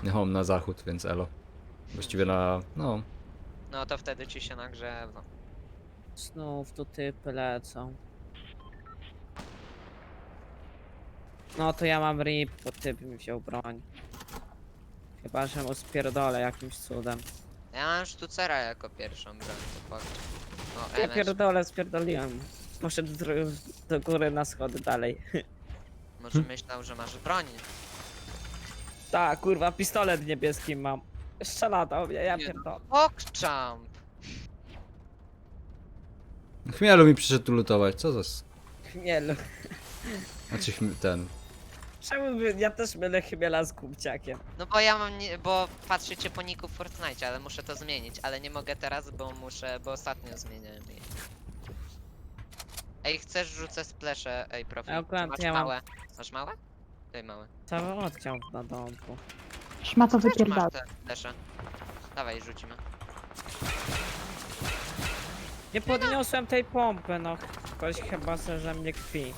No, na zachód, więc elo. Właściwie na... no. No to wtedy ci się nagrzewa. Znów tu typy lecą. No to ja mam rip, bo typ mi wziął broń. Chyba, że mu spierdolę jakimś cudem. Ja mam sztucera jako pierwszą broń, to fakt. O, Ja MS. pierdolę, spierdoliłem. Poszedł do góry na schody dalej. Może myślał, że masz broń. Tak, kurwa, pistolet niebieski mam. Strzela do mnie, ja Nie. pierdolę. Pokczamp! Chmielu mi przyszedł tu lutować, co za... Chmielu. Znaczy ten... Czemu ja też mylę chmiela z kubciakiem? No bo ja mam, bo patrzycie po niku w Fortnite, ale muszę to zmienić, ale nie mogę teraz, bo ostatnio zmieniałem je. Ej, chcesz rzucę splesze, ej profi. Ja akurat Masz ja mam- małe? Masz małe? Daj małe. Cały odciął na domku. Szmato Też wypierdala. masz te splesze. Dawaj, rzucimy. Nie podniosłem tej pompy, no. Ktoś chyba se ze mnie kpi.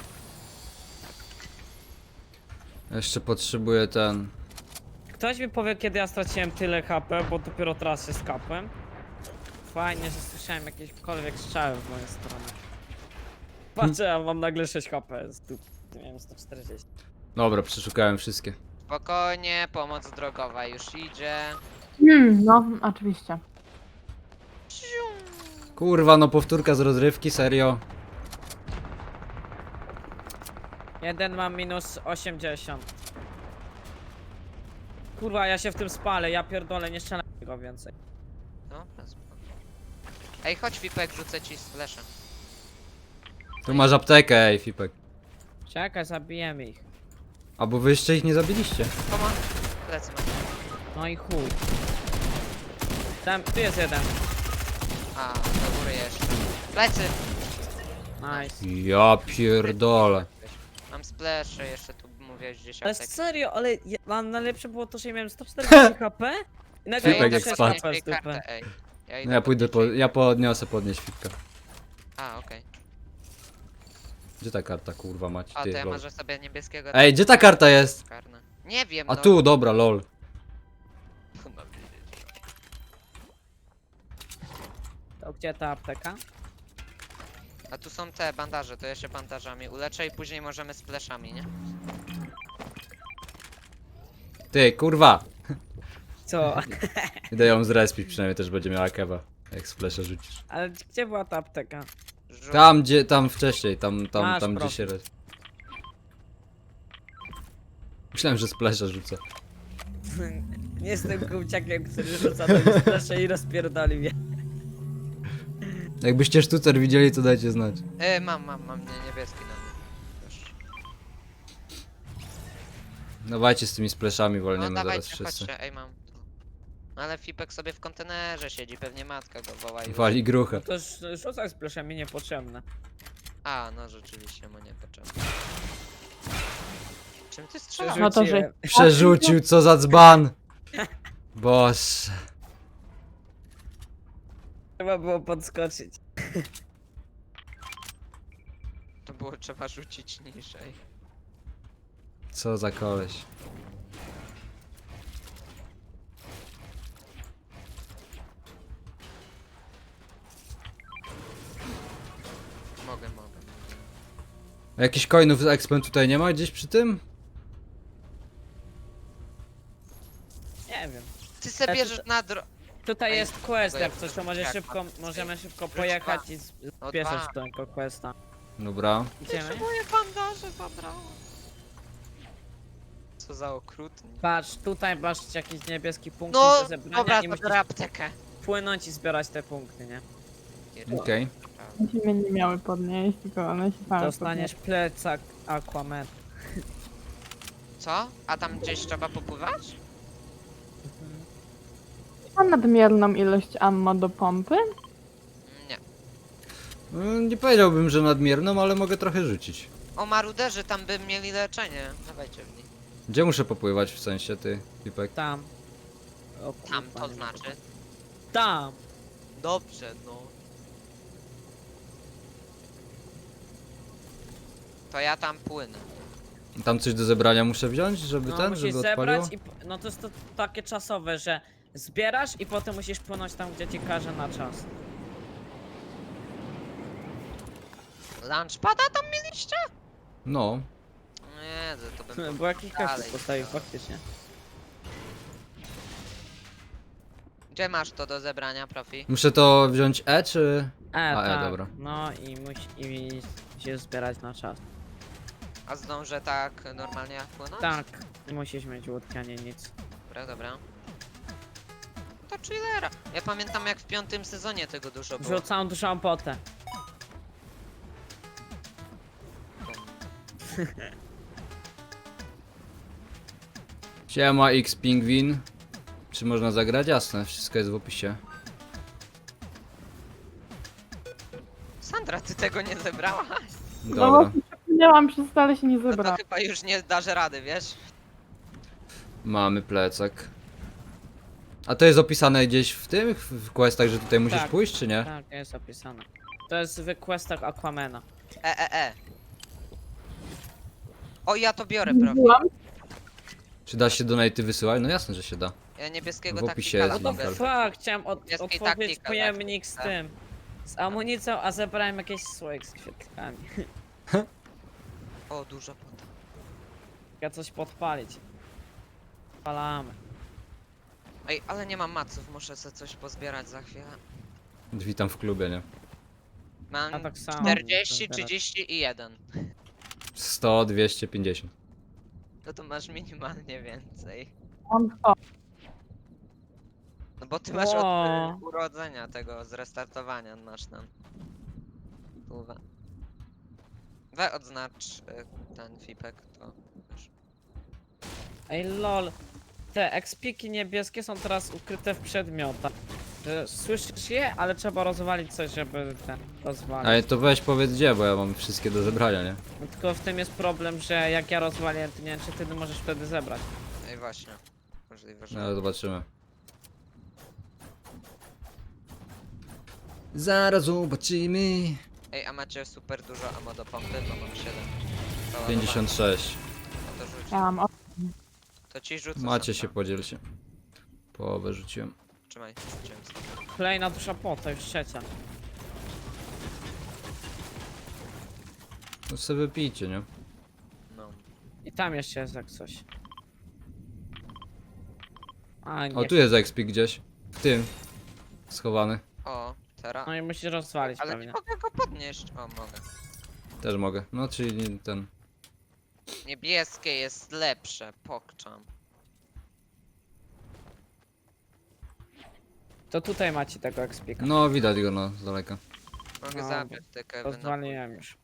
Jeszcze potrzebuję ten... Ktoś mi powie, kiedy ja straciłem tyle HP, bo dopiero teraz się skapłem. Fajnie, że słyszałem jakiekolwiek strzały w moją stronę. Patrzę, ja mam nagle 6 HP. Nie wiem, 140. Dobra, przeszukałem wszystkie. Spokojnie, pomoc drogowa już idzie. No, oczywiście. Kurwa, no powtórka z rozrywki, serio? Jeden mam minus 80. Kurwa, ja się w tym spalę, ja pierdolę, nie strzelam go więcej. Dobra, spoko. Ej, chodź Wipek, rzucę ci splesze. Tu masz aptekę, ej, Fipek. Czekaj, zabijemy ich. A bo wy jeszcze ich nie zabiliście. Pomoc. Plecy mam. No i chuj. Tam, tu jest jeden. A, do góry jeszcze. Plecy! Nice. Ja pierdolę. Mam splesze, jeszcze tu mówiłeś gdzieś Ale aptekę. serio, ale najlepsze było to, że ja miałem 140 HP i nagle Fipek mam jak 6 spadł. HP z dupy. kartę, ej. Ja No idę ja pójdę podnieść. ja podniosę Fipka. A, okej. Gdzie ta karta, kurwa, macie? A, to Ty, ja lol. może sobie niebieskiego... Ej, gdzie ta karta jest? Karne. Nie wiem, A no. tu, dobra, lol. Mam wiedzieć. To gdzie ta apteka? A tu są te bandaże, to ja się bandażami uleczę i później możemy splashami, nie? Ty, kurwa. Co? Idę ją zrespić, przynajmniej też będzie miała kewa. Jak splesze rzucisz. Ale gdzie była ta apteka? Tam, gdzie, tam wcześniej, tam Masz gdzie profil. się... Myślałem, że splesze rzucę. Nie jestem kubciakiem, który rzuca do splasze i rozpierdoli mnie. Jakbyście sztucer widzieli, to dajcie znać. Mam niebieski na mnie. Już. Dawajcie z tymi spleszami, No wolniemy zaraz dawajcie, wszyscy. chodźcie, ej mam tu. No ale Fipek sobie w kontenerze siedzi, pewnie matka go woła i... Wali gruchę. To rzucaj splashami niepotrzebne. A, no rzeczywiście mu nie potrzeba. Czym ty strzelasz? No to, że- Przerzuciłem. Przerzucił, co za dzban! Boże. Trzeba było podskoczyć. To było trzeba rzucić niżej. Co za koleś. Mogę. A jakichś coinów z expem tutaj nie ma gdzieś przy tym? Nie wiem. Ty se Ja bierzesz na Tutaj Ej, jest quest, tego jak ja coś, to może jak szybko, mam? możemy szybko Rzuć pojechać dwa. i No spieszyć dwa. tego questa. Dobra. Idziemy? moje bandaże zabrało. Co za okrutnik. Patrz, tutaj masz jakiś niebieski punkt No, do zebrania dobra, i to musisz biorę aptekę. płynąć i zbierać te punkty, nie? Okej. One się mnie nie miały podnieść, tylko one się same Dostaniesz plecak Aquaman. Co? A tam gdzieś trzeba popływać? podnieść. Mam nadmierną ilość ammo do pompy. Nie. Nie powiedziałbym, że nadmierną, ale mogę trochę rzucić. O, maruderzy tam by mieli leczenie. Dawajcie w nich. Gdzie muszę popływać w sensie, ty, Pipek? Tam. O, Tam kurwa, to nie znaczy. mogę. Tam! Dobrze, no. To ja tam płynę. Tam coś do zebrania muszę wziąć, żeby No ten, musisz żeby zebrać odpaliło? i... No to jest to takie czasowe, że zbierasz i potem musisz płynąć tam, gdzie ci każe na czas. Lunchpada tam mieliście? No. Nie, to bym... Bo jakiś Dalej, kaktus postawił dalej. faktycznie. Gdzie masz to do zebrania, profi? Muszę to wziąć E, czy... Tak. dobra. No i musi się zbierać na czas. A zdążę tak normalnie płynąć? Tak, musisz mieć łódkę, a nie nic. Dobra, dobra. To chillera. Ja pamiętam jak w 5. sezonie tego dużo było. Wrzucam dużą potę. Siema X Pingwin. Czy można zagrać? Jasne, wszystko jest w opisie. Sandra, ty tego nie zebrałaś? No Dobra. właśnie przepłynęłam przez to, ale się nie No to zebrałam. chyba już nie dasz rady, wiesz? Mamy plecak. A to jest opisane gdzieś w tym, w questach, że tutaj musisz Tak. pójść, czy nie? Tak, jest opisane. To jest w questach Aquamana. E. O, ja to biorę, profi. Byłam. Czy da się donaty wysyłać? No jasne, że się da. Ja niebieskiego W opisie taktikala jest No link. to mogę. fuck, chciałem Jest i otworzyć taktika, pojemnik z tak. tym. Z amunicją, a zebrałem jakieś słoik z świetlami. O, dużo potem. Ja coś podpalić. Palamy. Ej, ale nie mam maców, muszę sobie coś pozbierać za chwilę. Witam w klubie, nie? Mam Ja tak samo. 40, 30 i 1. 100, 250. No to masz minimalnie więcej. Mam to. No bo ty masz od Ło. urodzenia tego, z restartowania masz tam. Kurwa. We odznacz ten fipek, to wiesz. Ej lol. Te ekspiki niebieskie są teraz ukryte w przedmiotach. Że słyszysz je, ale trzeba rozwalić coś, żeby ten rozwalić. Ale to weź powiedz gdzie, bo ja mam wszystkie do zebrania, nie? No tylko w tym jest problem, że jak ja rozwalię, to nie wiem, czy ty możesz wtedy zebrać. Ej, właśnie. Możliwe, że... No zobaczymy. Zaraz zobaczymy. Ej, a macie super dużo ammo do pompy? Bo mam 7. 56. No to rzuć. Ja mam To ci rzucę. Macie sobie. się, podzielcie. Połowę rzuciłem. Trzymaj, rzuciłem sobie. Kolejna dusza pota, już trzecia. No sobie wypijcie, nie? No. I tam jeszcze jest jak coś. A nie. O, tu jest XP gdzieś. W tym. Schowany. O, teraz. No i musisz rozwalić Ale nie pewnie. mogę go podnieść. O, mogę. Też mogę. No, czyli ten. Niebieskie jest lepsze, pokczam. To tutaj macie tego ekspika. No, widać go no, z daleka. Mogę No, zabrać te kewy. Rozwaliłem już.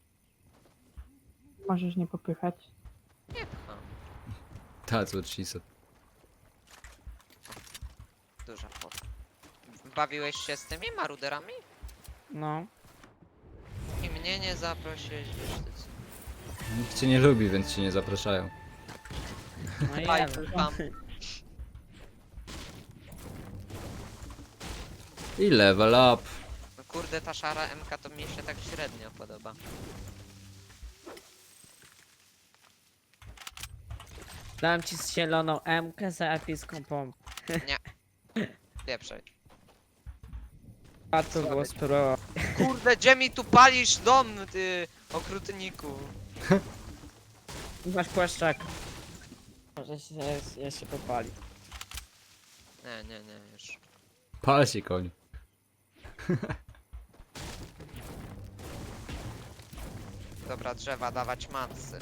Możesz nie popychać. Nie pcham. That's what she said. Duża pot. Bawiłeś się z tymi maruderami? No. I mnie nie zaprosiłeś, wiesz ty co. Nikt cię nie lubi, więc cię nie zapraszają. No i Fajny jeden. tam. I level up. No kurde, ta szara MK to mi się tak średnio podoba. Dałem ci zieloną M-kę za epicką pompę. Pieprzej. A to było spróbowa. Kurde, gdzie mi tu palisz dom, ty okrutniku? Masz płaszczak. Może się jeszcze popali. Nie, już. Pal się koń. Dobra, drzewa, dawać macy.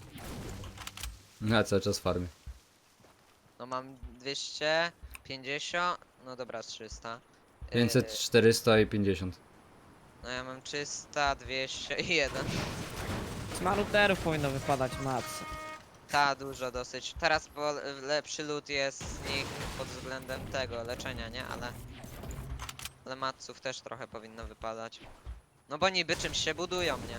Ja cały czas farmię. No mam 250, no dobra, 300. 500, 400 i 50. No ja mam 300, 200 i 1. Z maruterów powinno wypadać macy. Ta, dużo dosyć. Teraz bo lepszy loot jest z nich pod względem tego, leczenia, nie? Ale matców też trochę powinno wypadać. No bo niby czymś się budują, nie?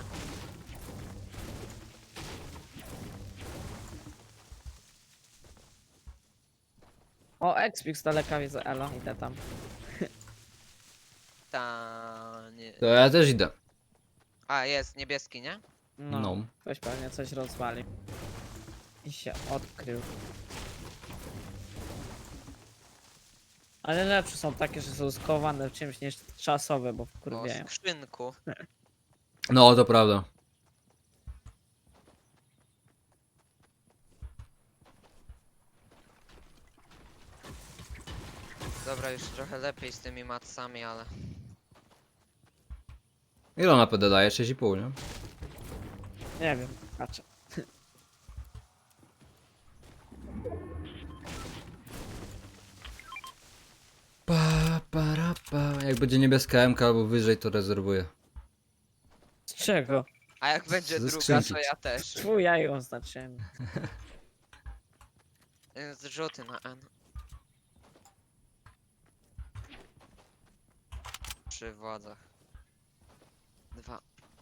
O, Expik z daleka widzę, elo, idę tam. Ta, nie. To ja też idę. A, jest niebieski, nie? No, No. ktoś pewnie coś rozwali. I się odkrył. Ale lepsze są takie, że są skowane w czymś niż czasowe, bo O wkurwiają. skrzynku. No, to prawda. Dobra, już trochę lepiej z tymi matsami, ale... Ile ona PD daje? 6,5, nie? Nie wiem, patrzę. Jak będzie niebieska MK albo wyżej, to rezerwuję. Z czego? A jak będzie Ze druga, skrzynki. to ja też. Twój ja ją oznaczyłem. Zrzuty na N. Przy władzach. 2.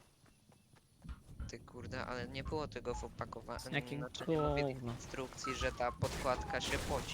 Ty kurde, ale nie było tego w opakowaniu. Jakie Znaczy nie mówię w gówno. instrukcji, że ta podkładka się poci.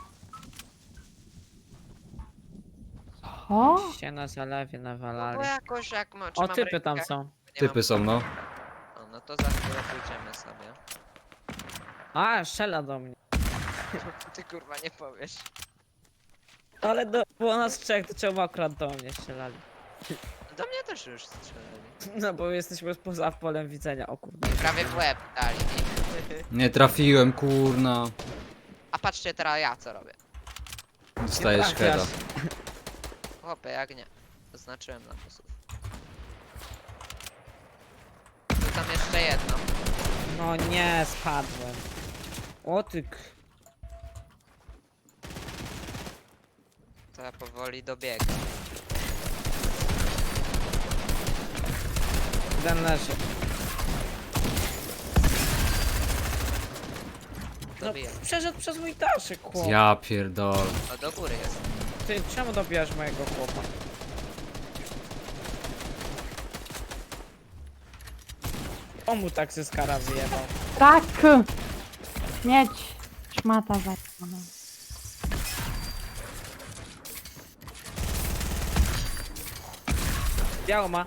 O, Się na zalewie No bo nawalali. jakoś jak ma... czy O, mam typy tam rękę? są. Nie Typy mam... są, no. O, no to za chwilę pójdziemy sobie. A, strzela do mnie. Ty kurwa nie powiesz. Ale było nas trzech, to czemu akurat do mnie strzelali? Do mnie też już strzelali. No bo jesteśmy poza polem widzenia, o kurde. Prawie w łeb dali mi. Nie trafiłem, kurna. A patrzcie teraz ja co robię. Dostajesz trafiasz. heada. Chłopie, jak nie. Zaznaczyłem na posłów. Tu tam jeszcze jedno. No nie, spadłem. O ty To ja powoli dobiegam. Ten leży. No, Dobijam. przeszedł przez mój dalszyk, chłop. Ja pierdolę. O, do góry jest. Ty, czemu dobijasz mojego chłopa? O mu tak ze skara wyjebał. tak! Mieć! Szmata zajebana. Biało ma.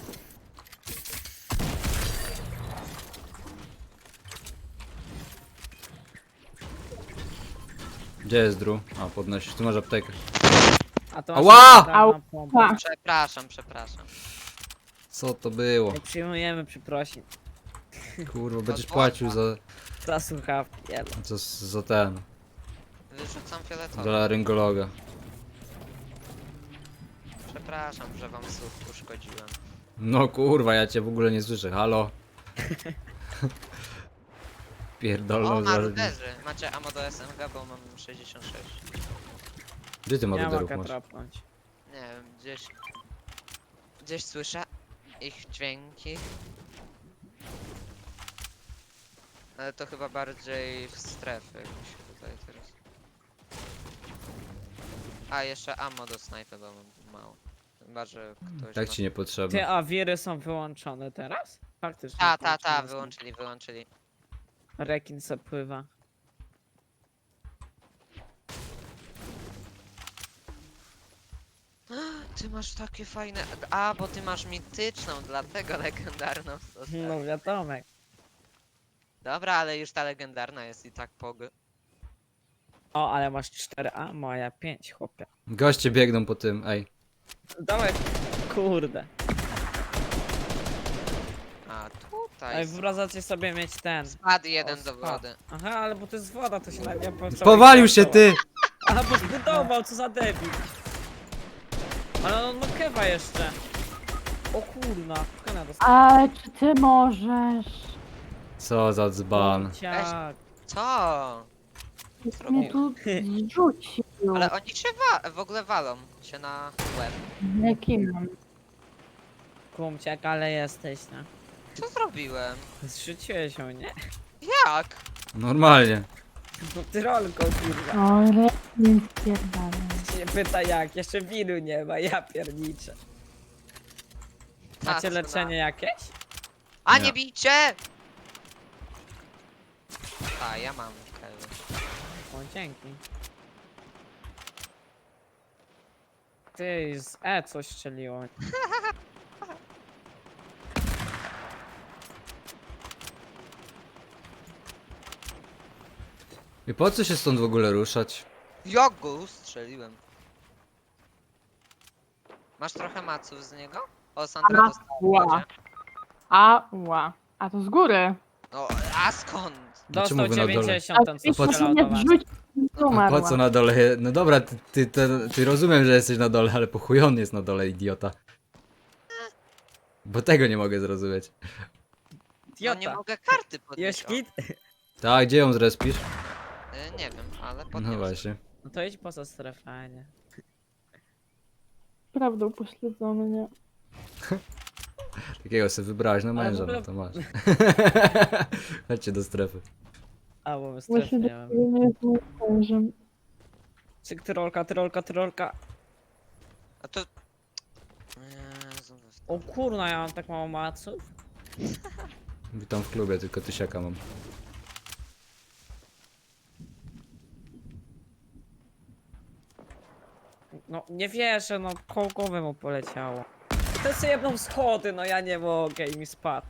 Gdzie jest Drew? A, podnosisz. Tu masz aptekę. A to Ała! dawna pompa. Ała. Przepraszam. Co to było? Nie przyjmujemy przeprosin. Kurwa, będziesz złota. płacił za... Za słuchawki, jelo. za ten. Wyrzucam fioletowy. Za laryngologa. Przepraszam, że wam słuch uszkodziłem. No kurwa, ja cię w ogóle nie słyszę. Halo? O, Pierdolną za... maruderzy. Macie ammo do SMG, bo mam 66. Gdzie ty Nie maruderów mogę masz? trapnąć. Nie wiem, gdzieś... Gdzieś słyszę ich dźwięki. Ale to chyba bardziej w strefy mi się tutaj teraz. A, jeszcze ammo do snajpy, bo mam mało. Chyba, że ktoś Tak ma... ci niepotrzebne. Ty, a wiry są wyłączone teraz? Faktycznie. Ta, wyłączone są. wyłączyli. Rekin se pływa. Ty masz takie fajne... A, bo ty masz mityczną, dlatego legendarną zostawię. No wiadomo. Dobra, ale już ta legendarna jest i tak pog... O, ale masz 4 ammo, a ja 5, chłopie. Goście biegną po tym, ej. Dawaj. Kurde. A, tutaj Ej, są. wyobrażacie sobie mieć ten. Spadł jeden O, do spadł. wody. Aha, ale bo to jest woda, to się nawet nie opłaca. Powalił się ty! Aha, bo zbudował, co za debil. Ale on ma kewa jeszcze. O kurna, kena dostał. Ale czy ty możesz? Co za dzban. Ciak. Co? Mnie tu zrzucił. Ale oni się w ogóle walą się na łeb. Jakim mam? Kumciak, ale jesteś, no. Co zrobiłem? Zrzuciłeś ją, nie? Jak? Normalnie. No ty rolką, kurwa. O, nie spierdalę. Się pyta jak, jeszcze wiru nie ma, ja pierniczę. Macie A, leczenie jakieś? A Nie. nie bijcie! A, ja mam kewy. O, dzięki. Ty, z E coś strzeliło. I po co się stąd w ogóle ruszać? Jak go ustrzeliłem? Masz trochę maców z niego? O, Sandra Ała. dostała. Ała. A to z góry. No, a skąd? Dostał mówię na dole? 90, ten co A ty strzelał nie do was. zrzuć i A umarła. po co na dole? No dobra, ty rozumiem, że jesteś na dole, ale po chuj on jest na dole, idiota. Bo tego nie mogę zrozumieć. No nie Idiota. mogę karty Jest podnieść. O, kit? Tak, gdzie ją zrespisz? nie wiem, ale No podniosę. właśnie. No to idź poza strefę, a nie. Prawdą pośledzony, nie? Takiego sobie wybrałeś na Ale w męża, ogóle- no to masz. Chodźcie do strefy. A, bo my strefy Właśnie nie do mamy. ciebie nie jest moim mężem. Cyk, tyrolka. A to... Jezu, O kurna, ja mam tak mało maców. Witam w klubie, tylko tysiaka mam. No, nie wierzę, no, koło głowy mu poleciało. I to sobie jedną schody, no ja nie mogę i mi spadł.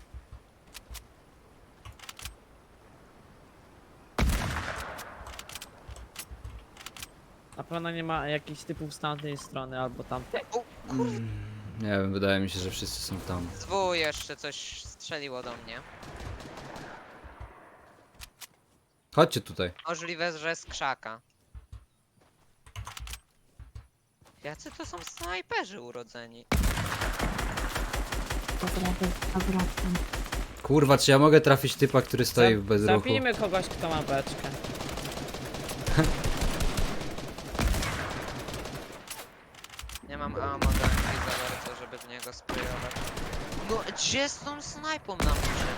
Na pewno nie ma jakichś typów z tamtej strony albo tamtej. Nie wiem, wydaje mi się, że wszyscy są tam. Zwu jeszcze coś strzeliło do mnie. Chodźcie tutaj. Możliwe, że z krzaka. Jacy to są snajperzy urodzeni? Dobra, wracam. Kurwa, czy ja mogę trafić typa, który stoi w bezruchu? Zabijmy kogoś, kto ma beczkę. Nie mam ammo do MG za bardzo, żeby w niego sprayować. No, gdzie z tą snajpą na górze?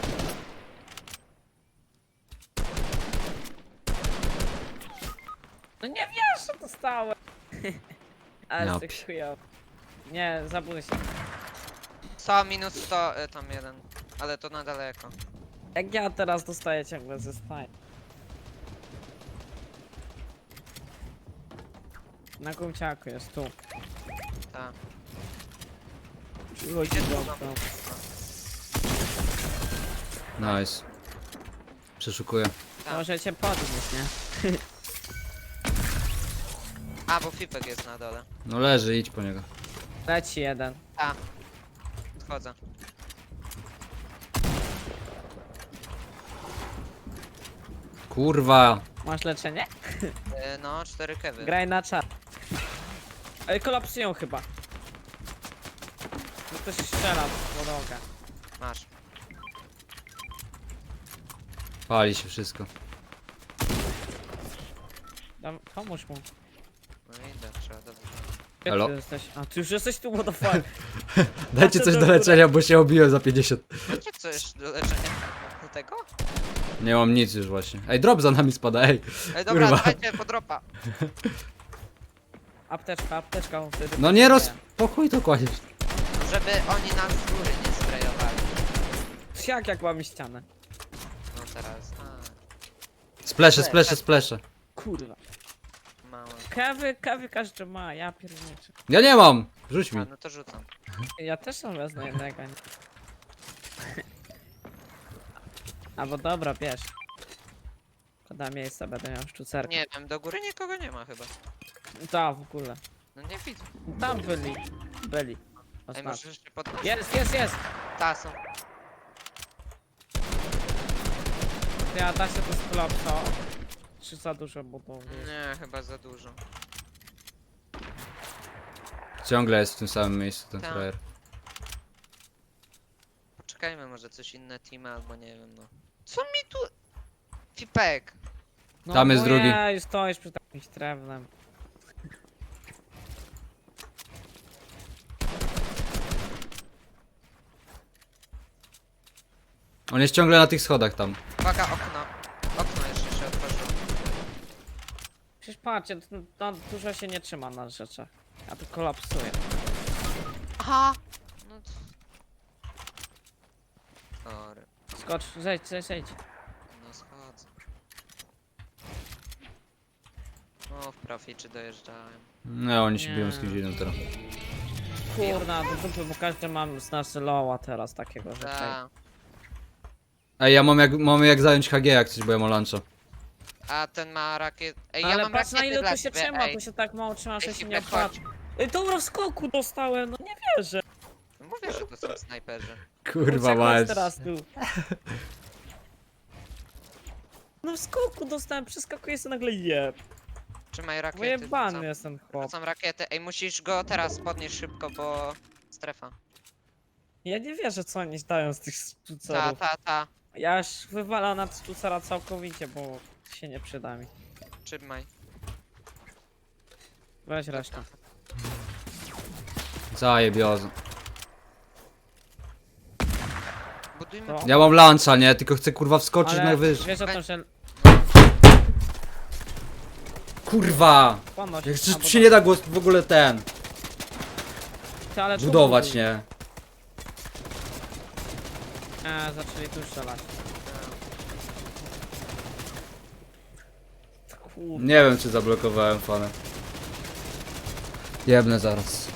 No nie wiesz, co dostałem. Ale Ja z tych chujowych. Nie, zabój się. 100 minus 100, tam jeden. Ale to na daleko. Jak ja teraz dostaję ciągle ze staj. Na kumciaku jest tu. Tak. Przychodzi Gdzie do tu są? Nice. Przeszukuję. Tak. Możecie podnieść, nie? A, bo Fipek jest na dole. No leży, idź po niego. Leci jeden. Wchodzę. Kurwa. Masz leczenie? No, 4 kewy. Graj na czat. Ej, kolapsują chyba. No ktoś strzela w podłogę. Masz. Pali się wszystko. Pomóż mu. No idę, trzeba dobrze. Gdzie Halo? ty jesteś? A, ty już jesteś tu, what the fuck? Dajcie coś do leczenia, bo się obiłem za 50. Macie coś do leczenia do tego? Nie mam nic już właśnie. Ej, drop za nami spada, ej. Ej, dobra, Kurwa. dawajcie po dropa. Apteczka, wtedy No nie potrzebuję. Po chuj to kładziesz. Żeby oni nas z góry nie sprayowali. Jak łami ścianę. No teraz. Splesze. Kurwa. Mało. Kawy każdy ma, ja pierniczę. Ja nie mam! Rzuć mi. A, no to rzucam. Ja też mam wezmę jednego. Nie? Albo dobra, bierz. Szkoda miejsca, będę miał sztucerkę. Nie wiem, do góry nikogo nie ma chyba. Da, w ogóle. No nie widzę. Tam byli. Ej, Oznacz. może jeszcze podnosić? Jest! Ta, są. Ja da się to skolapso. Czy za dużo budowli? Nie, chyba za dużo. Ciągle jest w tym samym miejscu ten Tak. frajer. Poczekajmy, może coś inne teamy albo nie wiem, no. Co mi tu... Fipek! No, Tam jest drugi. Nie, stoisz przy jakimś drewnem. On jest ciągle na tych schodach tam. Uwaga, okno. Okno jeszcze się otworzyło. Przecież patrzcie, to dużo się nie trzyma na rzeczach. A tu kolapsuje. Aha! No to... Sorry. Skocz, zejdź. No schodzę. O, w proficie dojeżdżałem. No, oni się Nie. biją z kimś innym teraz. Kurna, do dupy, bo każdy mam z nas loła teraz takiego, że Ta. Ej, ja mam jak zająć HG jak coś, bo ja mam luncha. A ten ma rakiet... Ej, ja Ale mam patrz na rakiety ile dla to się ciebie, trzyma, ej. to się tak mało trzyma, że Ej, się nie Hipek, chodź. opłaca. Ej, dobra, w skoku dostałem, no nie wierzę. No mówię, że to są snajperzy. Kurwa Chodź mać. teraz tu. No w skoku dostałem, przeskakuję sobie nagle jeb. Trzymaj rakiety. Wyjebany rzucam. jest ten chłop. Rzucam rakiety. Ej, musisz go teraz podnieść szybko, bo... Strefa. Ja nie wierzę co oni dają z tych Ta, stucerów. ta. Ja już wywalam na stucera całkowicie, bo się nie przyda mi. Trzymaj. Weź resztę. Zajebiozo. Budujmy... To. Ja mam luncha, nie? Tylko chcę kurwa wskoczyć Ale najwyżej. wiesz o tym, że Kurwa! ponoć. Jak albo tu się nie da go w ogóle ten... Ty, ale tu budować, buduj. nie? Zaczęli tu strzelać. Kurde. Nie wiem czy zablokowałem fanę. Jebnę zaraz.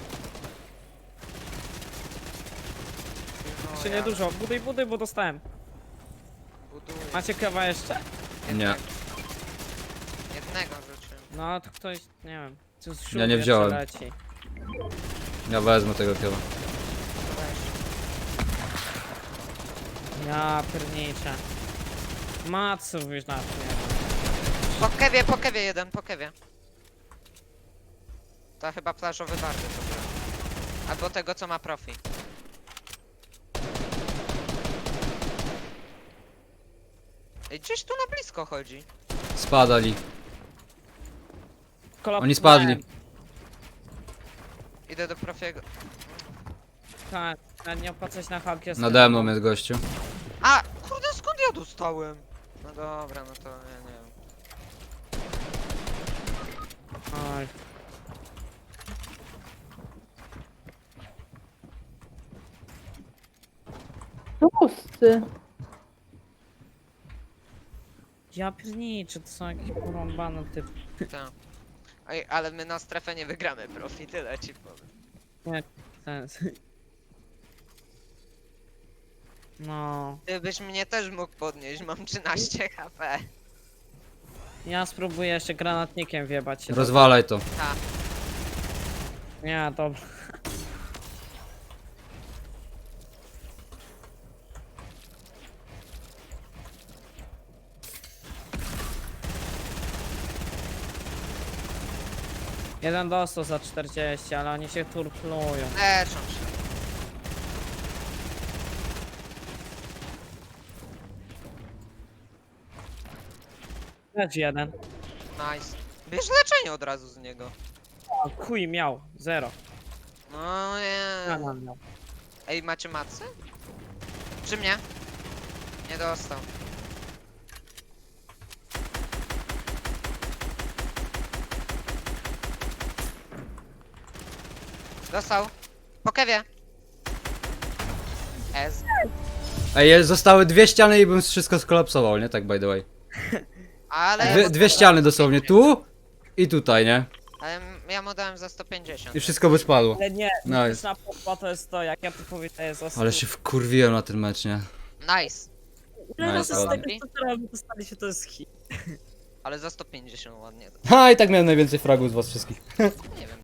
Jeszcze nie dużo. Buduj, bo dostałem. Buduję. Macie kawa jeszcze? Nie. Jednego rzuciłem. No to ktoś, nie wiem. Tu z Ja nie jeszcze wziąłem. leci. Ja wezmę tego chyba. Ja pierniczę. Matsów już na to nie ma. Po kewie jeden, po kewie. To chyba plażowy barwy to był. Albo tego, co ma profi. Ej, gdzieś tu na blisko chodzi. Spadali. Kolop- Oni spadli. Idę do profiego. Tak, nie opłaca się na halkie. Nade mną jest gościu. A! Kurde, skąd ja dostałem? No dobra, no to ja nie wiem. Oj. Tłusty. Ja pierniczę, to są jakieś porąbane typy. Tak. Ej, ale my na strefę nie wygramy profi, tyle ci powiem. Sens. No. Gdybyś mnie też mógł podnieść, mam 13 HP. Ja spróbuję jeszcze granatnikiem wjebać się. Rozwalaj to. Ta. Nie, dobra. Jeden dostał za 40, ale oni się turplują. Leczą się. Lecz jeden. Nice. Bierz leczenie od razu z niego. O, chuj miał. Zero. No nie. Miał. Ej, macie macy? Przy mnie? Nie dostał. Dostał. Po kewie. S. Ej, zostały dwie ściany i bym wszystko skolapsował, nie? Tak by the way. Ale... Dwie ściany dosłownie. Tu i tutaj, nie? Ale ja mu dałem za 150. I wszystko by spadło. Ale nie, Nice. na popa to jest to, jak ja tu powiem, to jest Ale się wkurwiłem na ten mecz, nie? Nice. Ile razy z ładnie. tego stutera dostali się, to jest hit. Ale za 150 ładnie. Ha, i tak miałem najwięcej fragów z was wszystkich. Nie wiem.